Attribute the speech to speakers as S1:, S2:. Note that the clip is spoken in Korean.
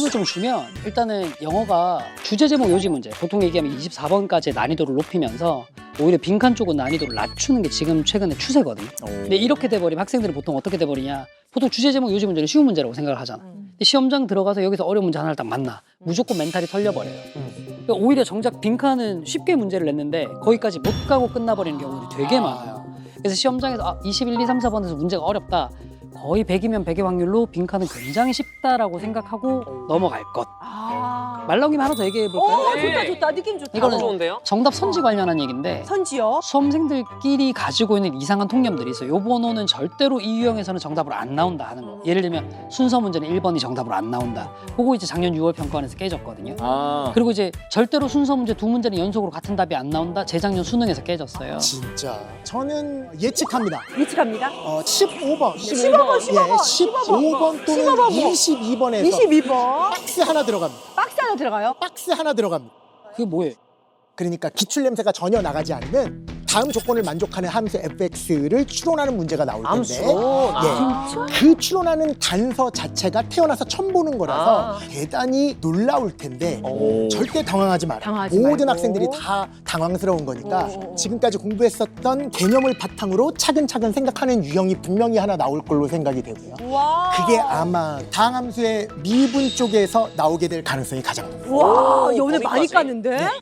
S1: 힌트를 좀 주면 일단은 영어가 주제 제목 요지 문제 보통 얘기하면 24번까지 난이도를 높이면서 오히려 빈칸 쪽은 난이도를 낮추는 게 지금 최근에 추세거든요. 근데 이렇게 돼버리면 학생들은 보통 어떻게 돼버리냐, 보통 주제 제목 요지 문제는 쉬운 문제라고 생각을 하잖아. 근데 시험장 들어가서 여기서 어려운 문제 하나를 딱 만나 무조건 멘탈이 털려버려요. 그러니까 오히려 정작 빈칸은 쉽게 문제를 냈는데 거기까지 못 가고 끝나버리는 경우들이 되게 많아요. 그래서 시험장에서 21, 2, 3, 4번에서 문제가 어렵다, 거의 100이면 100의 확률로 빈칸은 굉장히 쉽다라고 생각하고 넘어갈 것. 말 나온 김에 하나 더 얘기해 볼까요?
S2: 좋다 좋다 느낌 좋다.
S1: 이거는
S3: 좋은데요?
S1: 정답 선지 관련한 얘기인데
S2: 선지요?
S1: 수험생들끼리 가지고 있는 이상한 통념들이 있어요. 요 번호는 절대로 이 유형에서는 정답으로 안 나온다 하는 거. 예를 들면 순서 문제는 1번이 정답으로 안 나온다. 그거 이제 작년 6월 평가원에서 깨졌거든요. 그리고 이제 절대로 순서 문제 두 문제는 연속으로 같은 답이 안 나온다. 재작년 수능에서 깨졌어요.
S4: 진짜 저는 예측합니다.
S2: 예측합니다.
S4: 15번.
S2: 15번, 15번,
S4: 예, 15번 또는
S2: 15번.
S4: 22번에서
S2: 22번
S4: 박스 하나 들어갑니다.
S2: 박스 하나 들어가요?
S4: 박스 하나 들어갑니다.
S1: 그게 뭐예요?
S4: 그러니까 기출 냄새가 전혀 나가지 않는 다음 조건을 만족하는 함수 fx를 추론하는 문제가 나올 텐데 그 추론하는 단서 자체가 태어나서 처음 보는 거라서 대단히 놀라울 텐데 절대 당황하지 마라.
S2: 당황하지
S4: 모든
S2: 말고.
S4: 학생들이 다 당황스러운 거니까 지금까지 공부했었던 개념을 바탕으로 차근차근 생각하는 유형이 분명히 하나 나올 걸로 생각이 되고요.
S2: 와.
S4: 그게 아마 다항함수의 미분 쪽에서 나오게 될 가능성이 가장 높아요.
S2: 와, 오늘 많이
S3: 거기까지?
S2: 깠는데?